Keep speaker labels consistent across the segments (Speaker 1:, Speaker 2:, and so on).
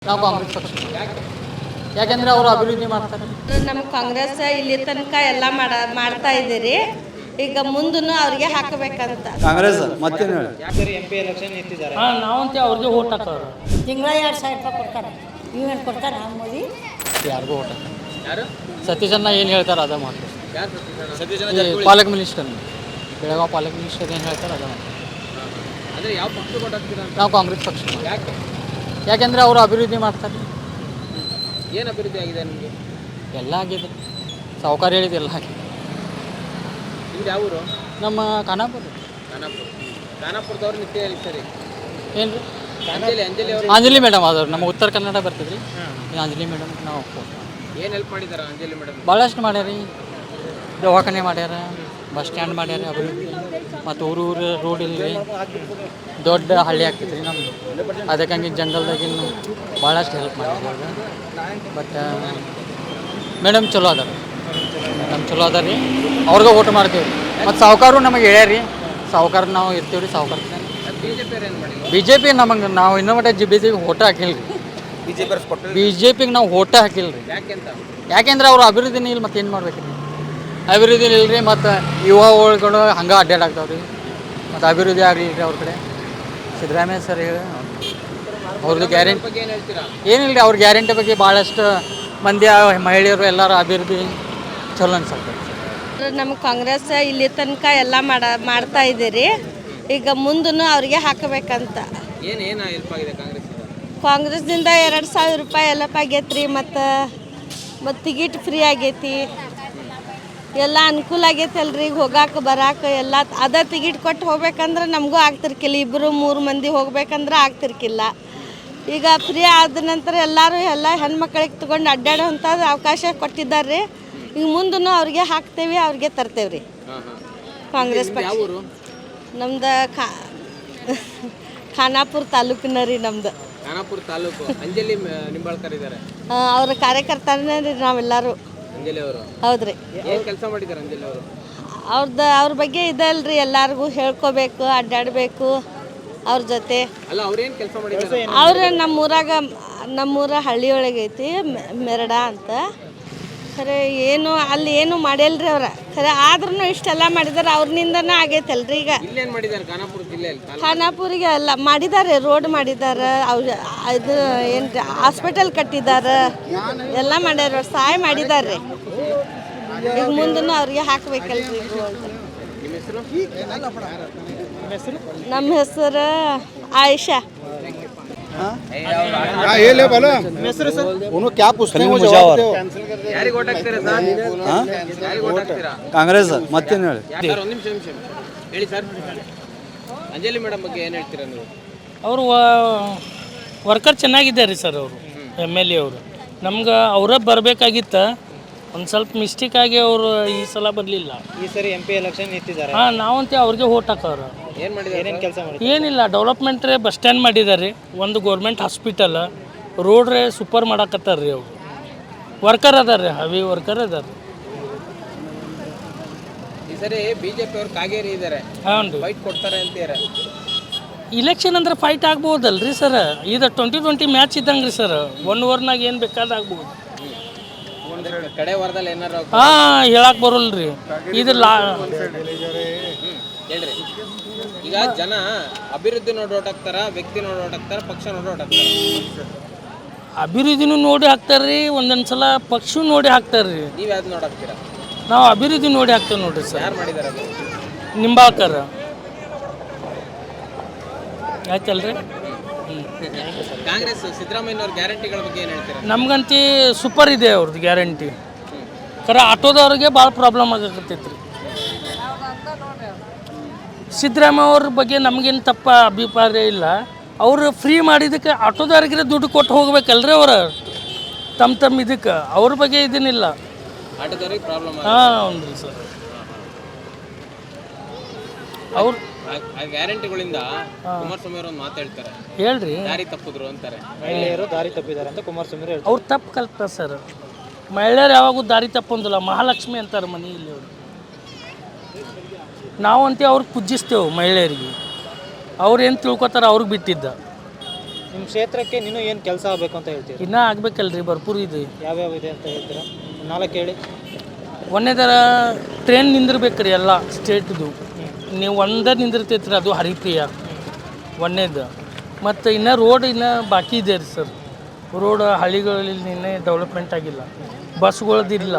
Speaker 1: ನಾವು ಕಾಂಗ್ರೆಸ್ ಪಕ್ಷ. ಯಾಕೆಂದರೆ ಅವರು ಅಭಿವೃದ್ಧಿ ಮಾಡ್ತಾರೆ.
Speaker 2: ನಮ್ಮ ಕಾಂಗ್ರೆಸ್ ಇಲ್ಲಿ ತನಕ ಎಲ್ಲ ಮಾಡ್ತಾ ಇದ್ದೀರಿ. ಈಗ ಮುಂದೂ ಅವ್ರಿಗೆ ಹಾಕಬೇಕಂತ
Speaker 3: ಕಾಂಗ್ರೆಸ್ ಮತ್ತೇನು ಹೇಳಿ
Speaker 4: MP ಎಲೆಕ್ಷನ್ ನಿಂತಿದ್ದಾರೆ.
Speaker 1: ನಾವಂತೆ ಅವ್ರಿಗೆ ಓಟ್ ಹಾಕೋರು.
Speaker 5: ತಿಂಗಳ 2,000 ರೂಪಾಯಿ ಕೊಡ್ತಾರೆ. ಇವೇನು ಕೊಡ್ತಾರೆ ಮೋದಿ
Speaker 1: ಯಾರಿಗೂ ಓಟ್ ಹಾಕೋರು.
Speaker 4: ಯಾರು?
Speaker 1: ಸತೀಶಣ್ಣ ಏನು ಹೇಳ್ತಾರೆ ಅದ ಮಾತು.
Speaker 4: ಸತೀಶ್
Speaker 1: ಪಾಲಕ್ ಮಿನಿಸ್ಟರ್, ಬೆಳಗಾವಿ ಪಾಲಕ್ ಮಿನಿಸ್ಟರ್ ಏನು ಹೇಳ್ತಾರೆ ಅದ ಮಾತು.
Speaker 4: ಅಂದ್ರೆ ಯಾವ ಪಕ್ಷ ಓಟ್ ಹಾಕ್ತೀರಾ?
Speaker 1: ನಾವು ಕಾಂಗ್ರೆಸ್ ಪಕ್ಷ.
Speaker 4: ಯಾಕೆ?
Speaker 1: ಯಾಕೆಂದರೆ ಅವರು ಅಭಿವೃದ್ಧಿ ಮಾಡ್ತಾರೆ.
Speaker 4: ಏನು ಅಭಿವೃದ್ಧಿ ಆಗಿದೆ ನಿಮಗೆ?
Speaker 1: ಎಲ್ಲ ಆಗಿದೆ. ಸಾವುಕಾರ ಹೇಳಿದ ಎಲ್ಲ ಆಗಿದೆ.
Speaker 4: ನಿಮ್ದು ಯಾವ ಊರು?
Speaker 1: ನಮ್ಮ ಖಾನಾಪುರ.
Speaker 4: ಖಾನಾಪುರದವ್ರು ನಿತ್ಯ ಸರಿ
Speaker 1: ಏನು ರೀ?
Speaker 4: ಅಂಜಲಿ ಅವರು
Speaker 1: ಅಂಜಲಿ ಮೇಡಮ್ ಆದವ್ರು ನಮ್ಮ ಉತ್ತರ ಕನ್ನಡ ಬರ್ತಿದ್ರಿ. ಅಂಜಲಿ ಮೇಡಮ್ ನಾವು
Speaker 4: ಏನು ಹೆಲ್ಪ್ ಮಾಡಿದಾರ ಅಂಜಲಿ ಮೇಡಮ್?
Speaker 1: ಭಾಳಷ್ಟು ಮಾಡ್ಯಾರಿ. ದವಾಖಾನೆ ಮಾಡ್ಯಾರ, ಬಸ್ ಸ್ಟ್ಯಾಂಡ್ ಮಾಡ್ಯಾರ, ಅಭಿವೃದ್ಧಿ ಮತ್ತು ಊರು ರೋಡ್ ಇಲ್ರಿ, ದೊಡ್ಡ ಹಳ್ಳಿ ಆಗ್ತೈತೆ ರೀ ನಮ್ದು. ಅದಕ್ಕಂಗೆ ಜಂಗಲ್ದಾಗಿನ ಭಾಳಷ್ಟು ಹೆಲ್ಪ್ ಮಾಡ್ಯಾರ. ಬಟ್ ಮೇಡಮ್ ಚಲೋ ಅದಾರ. ಮೇಡಮ್ ಚಲೋ ಅದಾರ ರೀ, ಅವ್ರಿಗೆ ಓಟ್ ಮಾಡ್ತೀವಿ ರೀ. ಮತ್ತು ಸಾವುಕಾರು ನಮಗೆ ಹೇಳ್ಯಾರಿ, ಸಾವುಕಾರ ನಾವು ಇರ್ತೀವಿ ರೀ. ಸಾವುಕಾರ
Speaker 4: BJP ಏನು ಮಾಡಿಲ್ಲ?
Speaker 1: BJP ನಮಗೆ ನಾವು ಇನ್ನೂ ಮಟ್ಟ BJP ಓಟ ಹಾಕಿಲ್ಲ ರೀ. BJPಗೆ ನಾವು ಓಟ ಹಾಕಿಲ್ಲ ರೀ. ಯಾಕೆಂದ್ರೆ ಅವ್ರು ಅಭಿವೃದ್ಧಿನೇ ಇಲ್ಲ, ಮತ್ತೆ ಏನು ಮಾಡ್ಬೇಕು ರೀ? ಅಭಿವೃದ್ಧಿ ಇಲ್ಲ ರೀ. ಮತ್ತು ಯುವಗಳು ಹಂಗೆ ಅಡ್ಡಾಡಾಗ್ತಾವೆ ರೀ. ಮತ್ತು ಅಭಿವೃದ್ಧಿ ಆಗಲಿಲ್ಲ ರೀ ಅವ್ರ ಕಡೆ. ಸಿದ್ದರಾಮಯ್ಯ ಸರ್ ಹೇಳಿ ಅವ್ರದ್ದು ಗ್ಯಾರಂಟಿ
Speaker 4: ಬಗ್ಗೆ ಏನು ಹೇಳ್ತೀರಾ?
Speaker 1: ಏನಿಲ್ಲ ರೀ. ಅವ್ರ ಗ್ಯಾರಂಟಿ ಬಗ್ಗೆ ಭಾಳಷ್ಟು ಮಂದಿ ಮಹಿಳೆಯರು ಎಲ್ಲರೂ ಅಭಿವೃದ್ಧಿ ಚಲೋ ಅನ್ಸತ್ತೆ.
Speaker 2: ನಮ್ಮ ಕಾಂಗ್ರೆಸ್ ಇಲ್ಲಿ ತನಕ ಎಲ್ಲ ಮಾಡ್ತಾ ಇದ್ದೀರಿ. ಈಗ ಮುಂದೂ ಅವ್ರಿಗೆ ಹಾಕಬೇಕಂತ
Speaker 4: ಏನು ಹೆಲ್ಪ್ ಆಗಿದೆ ಕಾಂಗ್ರೆಸ್?
Speaker 2: ಕಾಂಗ್ರೆಸ್ನಿಂದ 2,000 ರೂಪಾಯಿ ಹೆಲ್ಪ್ ಆಗೈತೆ ರೀ. ಮತ್ತು ಟಿಕೆಟ್ ಫ್ರೀ ಆಗೈತಿ, ಎಲ್ಲ ಅನುಕೂಲ ಆಗೈತೆ ಅಲ್ರಿ. ಈಗ ಹೋಗಾಕ ಬರಾಕ ಎಲ್ಲ ಅದ ಟಿಕೆಟ್ ಕೊಟ್ಟು ಹೋಗ್ಬೇಕಂದ್ರೆ ನಮಗೂ ಆಗ್ತಿರ್ಕಿಲ್ಲ. 2-3 ಮಂದಿ ಹೋಗ್ಬೇಕಂದ್ರೆ ಆಗ್ತಿರ್ಕಿಲ್ಲ. ಈಗ ಫ್ರೀ ಆದ ನಂತರ ಎಲ್ಲ ಹೆಣ್ಮಕ್ಳಿಗೆ ತೊಗೊಂಡು ಅಡ್ಡಾಡೋವಂಥ ಅವಕಾಶ ಕೊಟ್ಟಿದ್ದಾರೆ ರೀ. ಈಗ ಮುಂದೂ ಅವ್ರಿಗೆ ಹಾಕ್ತೇವೆ, ಅವ್ರಿಗೆ ತರ್ತೇವೆ ರೀ. ಕಾಂಗ್ರೆಸ್ ಪಕ್ಷ.
Speaker 4: ಯಾವ ಊರು?
Speaker 2: ನಮ್ದು ಖಾನಾಪುರ ತಾಲೂಕಿನ ರೀ ನಮ್ದು.
Speaker 4: ಖಾನಾಪುರ ತಾಲೂಕು. ಅಂಜಲಿ ನಿಂಬಾಳ್ಕರ್ ಇದ್ದಾರೆ,
Speaker 2: ಅವ್ರ ಕಾರ್ಯಕರ್ತನೇ ರೀ ನಾವೆಲ್ಲರೂ.
Speaker 4: ಅಂಜಲಿ ಅವರು
Speaker 2: ಹೌದ್ರಿ.
Speaker 4: ಏನು ಕೆಲಸ ಮಾಡಿದ್ದಾರೆ ಅಂಜಲಿ ಅವರು?
Speaker 2: ಅವ್ರ ಬಗ್ಗೆ ಇದಲ್ರಿ, ಎಲ್ಲರಿಗೂ ಹೇಳ್ಕೋಬೇಕು, ಅಡ್ಡಾಡಬೇಕು ಅವ್ರ ಜೊತೆ.
Speaker 4: ಅಲ್ಲ, ಅವ್ರೇನು ಕೆಲಸ ಮಾಡಿದ್ದಾರೆ?
Speaker 2: ಅವ್ರು ನಮ್ಮೂರ ಹಳ್ಳಿಯೊಳಗೆ ಐತಿ ಮೆರಡ ಅಂತ. ಖರೆ ಅಲ್ಲಿ ಏನು ಮಾಡಿಲ್ರಿ ಅವ್ರ. ಖರೆ ಆದ್ರೂ ಇಷ್ಟೆಲ್ಲ ಮಾಡಿದಾರೆ, ಅವ್ರನಿಂದನೇ ಆಗೈತಲ್ರಿ. ಈಗ
Speaker 4: ಇಲ್ಲೇನು ಮಾಡಿದ್ದಾರೆ ಖಾನಾಪುರ ಜಿಲ್ಲೆಯಲ್ಲಿ?
Speaker 2: ಖಾನಾಪುರಿಗೆ ಎಲ್ಲ ಮಾಡಿದ್ದಾರೆ, ರೋಡ್ ಮಾಡಿದ್ದಾರೆ, ಇದು ಏನು ಹಾಸ್ಪಿಟಲ್ ಕಟ್ಟಿದ್ದಾರೆ, ಎಲ್ಲ ಮಾಡ್ಯಾರ, ಸಹಾಯ ಮಾಡಿದ್ದಾರೆ. ಈಗ ಮುಂದೂ ಅವ್ರಿಗೆ ಹಾಕ್ಬೇಕಲ್ರಿ.
Speaker 4: ನಿಮ್ಮ ಹೆಸರು?
Speaker 2: ನಮ್ಮ ಹೆಸರು ಆಯಿಷಾ.
Speaker 4: ಯಾರಿಗೆ ಓಟ್ ಹಾಕ್ತೀರಾ ಸರ್? ಯಾರಿಗೆ ಓಟ್ ಹಾಕ್ತೀರಾ?
Speaker 3: ಕಾಂಗ್ರೆಸ್ ಮತ್ತೇನು ಹೇಳಿ
Speaker 4: ಸರ್, ಒಂದು ನಿಮಿಷ ಹೇಳಿ ಸರ್. ಅಂಜಲಿ ಮೇಡಮ್ ಬಗ್ಗೆ ಏನು ಹೇಳ್ತೀರಾ ನೀವು?
Speaker 6: ಅವರು ವರ್ಕರ್ ಚೆನ್ನಾಗಿದ್ದಾರೆ ಸರ್. ಅವರು MLA ಅವರು ನಮ್ಗೆ ಅವರೇ ಬರಬೇಕಾಗಿತ್ತು. ಒಂದು ಸ್ವಲ್ಪ ಮಿಸ್ಟೇಕ್ ಆಗಿ ಅವರು ಈ ಸಲ ಬರಲಿಲ್ಲ.
Speaker 4: ಈ ಸರಿ MP ಎಲೆಕ್ಷನ್ ನಿಂತಿದ್ದಾರೆ.
Speaker 6: ನಾವಂತೆ ಅವ್ರಿಗೆ ಓಟ್ ಹಾಕೋರು.
Speaker 4: ಏನು ಮಾಡಿದ್ದಾರೆ? ಏನೇನು ಕೆಲಸ ಮಾಡಿ?
Speaker 6: ಏನಿಲ್ಲ, ಡೆವಲಪ್ಮೆಂಟ್ ರೀ, ಬಸ್ ಸ್ಟ್ಯಾಂಡ್ ಮಾಡಿದ್ದಾರೆ, ಒಂದು ಗೌರ್ಮೆಂಟ್ ಹಾಸ್ಪಿಟಲ್, ರೋಡ್ ರೇ ಸೂಪರ್ ಮಾಡಾಕತ್ತಾರ ರೀ. ಅವರು ವರ್ಕರ್ ಅದಾರ ರೀ, ಹೆವಿ ವರ್ಕರ್ ಅದಾರ ರೀ.
Speaker 4: ಈ ಸರಿ BJP ಅವ್ರು ಕಾಗೇರಿ ಇದ್ದಾರೆ,
Speaker 6: ಹಾಂ ರೀ.
Speaker 4: ಫೈಟ್ ಕೊಡ್ತಾರೆ ಅಂತೀರ?
Speaker 6: ಇಲೆಕ್ಷನ್ ಅಂದ್ರೆ ಫೈಟ್ ಆಗ್ಬೋದಲ್ರಿ ಸರ್. ಇದು 2020 ಮ್ಯಾಚ್ ಇದ್ದಂಗೆ ರೀ ಸರ್. 1 ಓವರ್ನಾಗ ಏನು ಬೇಕಾದ ಆಗ್ಬೋದು.
Speaker 4: ಕಡೆ ವಾರದಲ್ಲಿ ಏನಾರು
Speaker 6: ಹೇಳಕ್ ಬರಲ್ರಿ ಇದು
Speaker 4: ಹೇಳ್ರಿ. ಈಗ ಜನ ಅಭಿವೃದ್ಧಿ ನೋಡಿ ಓಟ್ ಹಾಕ್ತಾರ, ವ್ಯಕ್ತಿ ನೋಡಿ ಓಟ್ ಹಾಕ್ತಾರ, ಪಕ್ಷ ನೋಡಿ ಓಟ್ ಹಾಕ್ತಾರ?
Speaker 6: ಅಭಿವೃದ್ಧಿನೂ ನೋಡಿ ಹಾಕ್ತಾರ್ರಿ, ಒಂದೊಂದು ಸಲ ಪಕ್ಷ ನೋಡಿ ಹಾಕ್ತಾರ್ರಿ.
Speaker 4: ನೀವು ಯಾವ್ದು ನೋಡಿ ಹಾಕ್ತೀರಾ?
Speaker 6: ನಾವು ಅಭಿವೃದ್ಧಿ ನೋಡಿ ಹಾಕ್ತೇವೆ ನೋಡ್ರಿ ಸರ್.
Speaker 4: ಯಾರು ಮಾಡಿದಾರೆ ಅದು?
Speaker 6: ನಿಂಬಾಳ್ಕರ್ ಆಯ್ತಲ್ರಿ.
Speaker 4: ಕಾಂಗ್ರೆಸ್ ಸಿದ್ದರಾಮಯ್ಯನವ್ರ ಗ್ಯಾರಂಟಿಗಳ ಬಗ್ಗೆ ಏನು ಹೇಳ್ತೀರಾ?
Speaker 6: ನಮ್ಗಂತೂ ಸೂಪರ್ ಇದೆ ಅವ್ರದ್ದು ಗ್ಯಾರಂಟಿ. ಖರೆ ಆಟೋದವ್ರಿಗೆ ಭಾಳ ಪ್ರಾಬ್ಲಮ್ ಆಗಕತ್ತೈತಿ ರೀ. ಸಿದ್ದರಾಮಯ್ಯ ಅವ್ರ ಬಗ್ಗೆ ನಮಗೇನು ತಪ್ಪ ಅಭಿಪ್ರಾಯ ಇಲ್ಲ. ಅವರು ಫ್ರೀ ಮಾಡಿದ್ದಕ್ಕೆ ಆಟೋದವ್ರಿಗೆ ದುಡ್ಡು ಕೊಟ್ಟು ಹೋಗ್ಬೇಕಲ್ರಿ. ಅವ್ರು ತಮ್ಮ ಇದಕ್ಕೆ ಅವ್ರ ಬಗ್ಗೆ ಇದನ್ನಿಲ್ಲ.
Speaker 4: ಆಟೋದವ್ರಿಗೆ ಪ್ರಾಬ್ಲಮ್.
Speaker 6: ಹಾಂ ರೀ ಸರ್. ಅವ್ರು
Speaker 4: ಗ್ಯಾರಂಟಿಗಳಿಂದ ಕುಮಾರಸ್ವಾಮಿ ಅವರು ಒಂದು ಮಾತು ಹೇಳ್ತಾರೆ,
Speaker 6: ಹೇಳ್ರಿ,
Speaker 4: ದಾರಿ ತಪ್ಪಿದ್ರು ಅಂತಾರೆ.
Speaker 7: ಮಹಿಳೆಯರು ದಾರಿ ತಪ್ಪಿದ್ದಾರೆ ಅಂತ ಕುಮಾರಸ್ವಾಮಿ ಹೇಳ್ತಾರೆ.
Speaker 6: ಅವ್ರು ತಪ್ಪು ಕಲ್ತಾರೆ ಸರ್. ಮಹಿಳೆಯರು ಯಾವಾಗೂ ದಾರಿ ತಪ್ಪೊಂದಿಲ್ಲ. ಮಹಾಲಕ್ಷ್ಮಿ ಅಂತಾರೆ ಮನೆಯಲ್ಲಿ ಅವರು. ನಾವಂತೆ ಅವ್ರಿಗೆ ಪೂಜಿಸ್ತೇವೆ ಮಹಿಳೆಯರಿಗೆ. ಅವ್ರು ಏನು ತಿಳ್ಕೊತಾರೆ ಅವ್ರಿಗೆ ಬಿಟ್ಟಿದ್ದ.
Speaker 7: ನಿಮ್ಮ ಕ್ಷೇತ್ರಕ್ಕೆ ನೀನು ಏನು ಕೆಲಸ ಆಗಬೇಕು ಅಂತ ಹೇಳ್ತೀರಿ?
Speaker 6: ಇನ್ನೂ ಆಗ್ಬೇಕಲ್ರಿ, ಭರ್ಪೂರ್ ಇದೆ.
Speaker 7: ಯಾವ್ಯಾವ ಇದೆ ಅಂತ ಹೇಳ್ತೀರಾ? 4 ಹೇಳಿ.
Speaker 6: ಒಂದೇದರ ಟ್ರೈನ್ ನಿಂದಿರ್ಬೇಕ್ರಿ ಎಲ್ಲ ಸ್ಟೇಟ್ದು. ನೀವು ಒಂದೇ ನಿಂದಿರ್ತೈತ್ರಿ, ಅದು ಹರಿಪ್ರಿಯ ಒಂದೇದು. ಮತ್ತು ಇನ್ನೂ ರೋಡ್ ಇನ್ನೂ ಬಾಕಿ ಇದೆ ರೀ ಸರ್. ರೋಡ್ ಹಳ್ಳಿಗಳಲ್ಲಿ ಇನ್ನೇ ಡೆವಲಪ್ಮೆಂಟ್ ಆಗಿಲ್ಲ, ಬಸ್ಗಳದ್ದಿಲ್ಲ.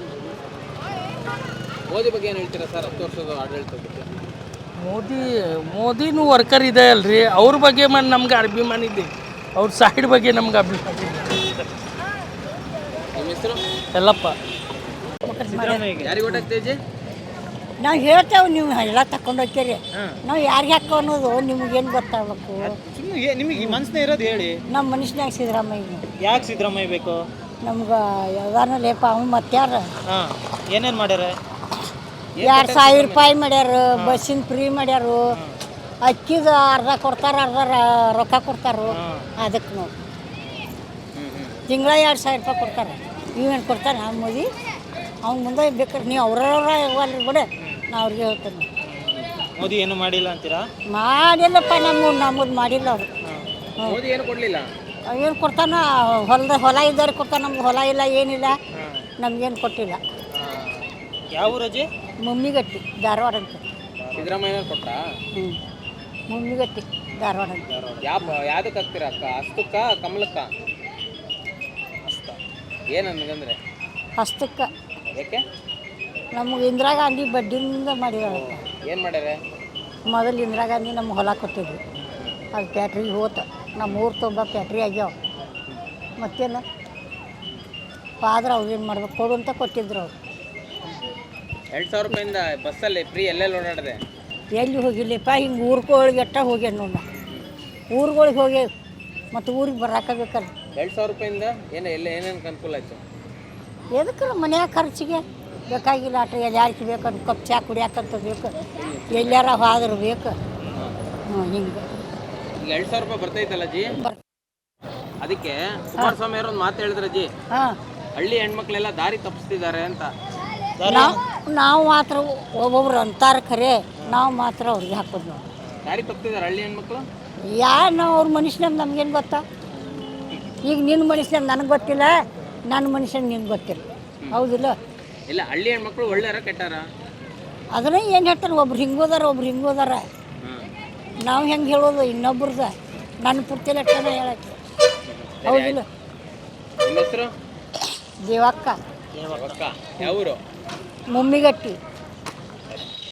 Speaker 4: ಮೋದಿ ಬಗ್ಗೆ ಏನು ಹೇಳ್ತೀರಾ ಸರ್? 10 ವರ್ಷದ ಆಡಳಿತ ಬಗ್ಗೆ.
Speaker 6: ಮೋದಿನೂ ವರ್ಕರ್ ಇದೆ ಅಲ್ರಿ, ಅವ್ರ ಬಗ್ಗೆ ನಮ್ಗೆ ಅಭಿಮಾನ ಇದೆ. ಅವ್ರ ಸೈಡ್ ಬಗ್ಗೆ ನಮ್ಗೆ ಅಭಿಮಾನ ಇದೆ.
Speaker 4: ನಿಮ್ಮ ಹೆಸರು?
Speaker 6: ಎಲ್ಲಪ್ಪ.
Speaker 4: ಯಾರಿಗೆ ಓಟ್ ಹಾಕ್ತೀವಿ?
Speaker 5: ನಾವು ಹೇಳ್ತೇವೆ, ನೀವು ಎಲ್ಲ ತಗೊಂಡು ಹೋಗ್ತೀರಿ. ನಾವು ಯಾರಿಗೆ ಹಾಕೋ ಅನ್ನೋದು ನಿಮ್ಗೇನು ಗೊತ್ತಾಗಬೇಕು?
Speaker 7: ನಿಮಗೆ ಮನಸ್ಸಿನ ಇರೋದು ಹೇಳಿ.
Speaker 5: ನಮ್ಮ ಮನುಷ್ಯನಾಗ ಸಿದ್ದರಾಮಯ್ಯ.
Speaker 7: ಯಾಕೆ ಸಿದ್ದರಾಮಯ್ಯ ಬೇಕು?
Speaker 5: ನಮ್ಗೆ ಯಾವ್ದಾರ ಲೇಪ ಅವ್ನು ಮತ್ತಾರ
Speaker 7: ಹಾಂ, ಏನೇನು ಮಾಡ್ಯಾರ?
Speaker 5: 2,000 ರೂಪಾಯಿ ಮಾಡ್ಯಾರ, ಬಸ್ಸಿನ ಫ್ರೀ ಮಾಡ್ಯಾರು, ಅಕ್ಕಿದ ಅರ್ಧ ಕೊಡ್ತಾರ, ಅರ್ಧ ರೊಕ್ಕ ಕೊಡ್ತಾರು. ಅದಕ್ಕೆ ನಾವು ತಿಂಗಳ 2,000 ರೂಪಾಯಿ ಕೊಡ್ತಾರೆ. ಇವೇನು ಕೊಡ್ತಾನೆ ಆ ಮೋದಿ? ಅವ್ನು ಮುಂದೆ ಬೇಕಾದ್ರೆ ನೀವು ಅವ್ರವ್ರ ಹೋಗಲ್ರಿ ಬಿಡ, ನಾ ಅವ್ರಿಗೆ ಹೇಳ್ತೇನೆ.
Speaker 7: ಮೋದಿ ಏನು ಮಾಡಿಲ್ಲ ಅಂತೀರಾ?
Speaker 5: ಮಾಡಿಲ್ಲಪ್ಪ, ನಮ್ಮದು ಮಾಡಿಲ್ಲ ಅವರು.
Speaker 4: ಮೋದಿ ಏನು ಕೊಡಲಿಲ್ಲ.
Speaker 5: ಏನು ಕೊಡ್ತಾನ? ಹೊಲ ಇದ್ದವ್ರಿಗೆ ಕೊಡ್ತಾನೆ. ನಮ್ಗೆ ಹೊಲ ಇಲ್ಲ, ಏನಿಲ್ಲ, ನಮ್ಗೇನು ಕೊಟ್ಟಿಲ್ಲ.
Speaker 7: ಯಾವ ರಜೆ?
Speaker 5: ಮುಮ್ಮಿಗಟ್ಟಿ, ಧಾರವಾಡ ಅಂತ.
Speaker 4: ಸಿದ್ದರಾಮಯ್ಯ ಕೊಟ್ಟ?
Speaker 5: ಹ್ಞೂ, ಮುಮ್ಮಿಗಟ್ಟಿ, ಧಾರವಾಡ ಅಂತ.
Speaker 4: ಯಾವ್ದಕ್ಕೆ ಹಾಕ್ತೀರಾ? ಹಸ್ತಕ್ಕ ಕಮಲಕ್ಕ? ಹಸ್ತ ಏನು ನನಗಂದ್ರೆ
Speaker 5: ಹಸ್ತಕ್ಕೆ.
Speaker 4: ಯಾಕೆ?
Speaker 5: ನಮಗೆ ಇಂದಿರಾ ಗಾಂಧಿ ಬಡ್ಡಿಯಿಂದ ಮಾಡಿದಾರಪ್ಪ.
Speaker 4: ಏನು ಮಾಡ್ಯಾರ?
Speaker 5: ಮೊದಲು ಇಂದಿರಾ ಗಾಂಧಿ ನಮ್ಗೆ ಹೊಲ ಕೊಟ್ಟಿದ್ರು, ಅದು ಫ್ಯಾಟ್ರಿಗೆ ಹೋತ. ನಮ್ಮ ಊರು ತುಂಬ ಫ್ಯಾಟ್ರಿ ಆಗ್ಯಾವ. ಮತ್ತೇನು ಆದ್ರೆ ಅವ್ರೇನು ಮಾಡ್ಬೇಕು? ಕೊಡು ಅಂತ ಕೊಟ್ಟಿದ್ರು ಅವ್ರು.
Speaker 4: 2,000 ರೂಪಾಯಿಂದ ಬಸ್ಸಲ್ಲಿ ಫ್ರೀ ಎಲ್ಲೆಲ್ಲಿ ಓಡಾಡಿದೆ?
Speaker 5: ಎಲ್ಲಿ ಹೋಗಿಲ್ಲಪ್ಪ, ಹಿಂಗೆ ಊರುಗಳಿಗೆ ಎಟ್ಟ ಹೋಗ್ಯಾನ ನೋಡ. ಊರುಗಳಿಗೆ ಹೋಗಿ ಮತ್ತು ಊರಿಗೆ ಬರಾಕಬೇಕಲ್ಲ.
Speaker 4: 2,000 ರೂಪಾಯಿಂದ ಏನೇನು ಅನುಕೂಲ ಆಯಿತು?
Speaker 5: ಎದಕ್ಕೆ ಮನ್ಯಾಗ ಖರ್ಚಿಗೆ ಬೇಕಾಗಿಲ್ಲ. ಆಟ ಯಾರಿಗೆ ಬೇಕು, ಅದು ಕಪ್ ಚಾ ಕುಡಿಯಾಕಂತ ಬೇಕು, ಎಲ್ಲಾರ ಹೋದ್ರೆ ಬೇಕು. ಹಿಂಗೆ
Speaker 4: ಈಗ 2,000 ರೂಪಾಯಿ ಬರ್ತೈತಲ್ಲ ಜಿ, ಅದಕ್ಕೆ ಕುಮಾರಸ್ವಾಮಿ ಅವರು ಒಂದು ಮಾತು ಹೇಳಿದ್ರೆ ಜಿ,
Speaker 5: ಹಾಂ,
Speaker 4: ಹಳ್ಳಿ ಹೆಣ್ಮಕ್ಳೆಲ್ಲ ದಾರಿ ತಪ್ಪಿಸ್ತಿದ್ದಾರೆ ಅಂತ.
Speaker 5: ನಾವು ಮಾತ್ರ ಒಬ್ಬೊಬ್ರು ಅಂತಾರೆ ಖರೆ, ನಾವು ಮಾತ್ರ ಅವ್ರಿಗೆ ಹಾಕೋದು. ನಾವು
Speaker 4: ದಾರಿ ತಪ್ಪಿದ್ದಾರೆ ಹಳ್ಳಿ ಹೆಣ್ಮಕ್ಳು.
Speaker 5: ನಾವು ಅವ್ರ ಮನುಷ್ಯನ ನಮ್ಗೇನು ಗೊತ್ತಾ? ಈಗ ನಿನ್ನ ಮನುಷ್ಯನ ನನಗೆ ಗೊತ್ತಿಲ್ಲ, ನನ್ನ ಮನುಷ್ಯನ ನಿನ್ಗೆ ಗೊತ್ತಿಲ್ಲ, ಹೌದಿಲ್ಲ?
Speaker 4: ಇಲ್ಲ, ಹಳ್ಳಿ ಹೆಣ್ಮಕ್ಳು ಒಳ್ಳೆಯರ ಕೆಟ್ಟಾರ?
Speaker 5: ಅದನ್ನೇ ಏನು ಹೇಳ್ತಾರೆ, ಒಬ್ರು ಹಿಂಗೋದಾರ, ಒಬ್ರು ಹಿಂಗೋದಾರ. ನಾವು ಹೆಂಗೆ ಹೇಳೋದು ಇನ್ನೊಬ್ರದ? ನನ್ನ ಪೂರ್ತಿ ಲೆಕ್ಕನ ಹೇಳಕ್ಕೆ, ಹೌದಿಲ್ಲ?
Speaker 4: ನಿಮ್ಮ ಹೆಸರು?
Speaker 5: ದೇವಕ್ಕ,
Speaker 4: ಯಾವ ಊರು?
Speaker 5: ಮುಮ್ಮಿಗಟ್ಟಿ.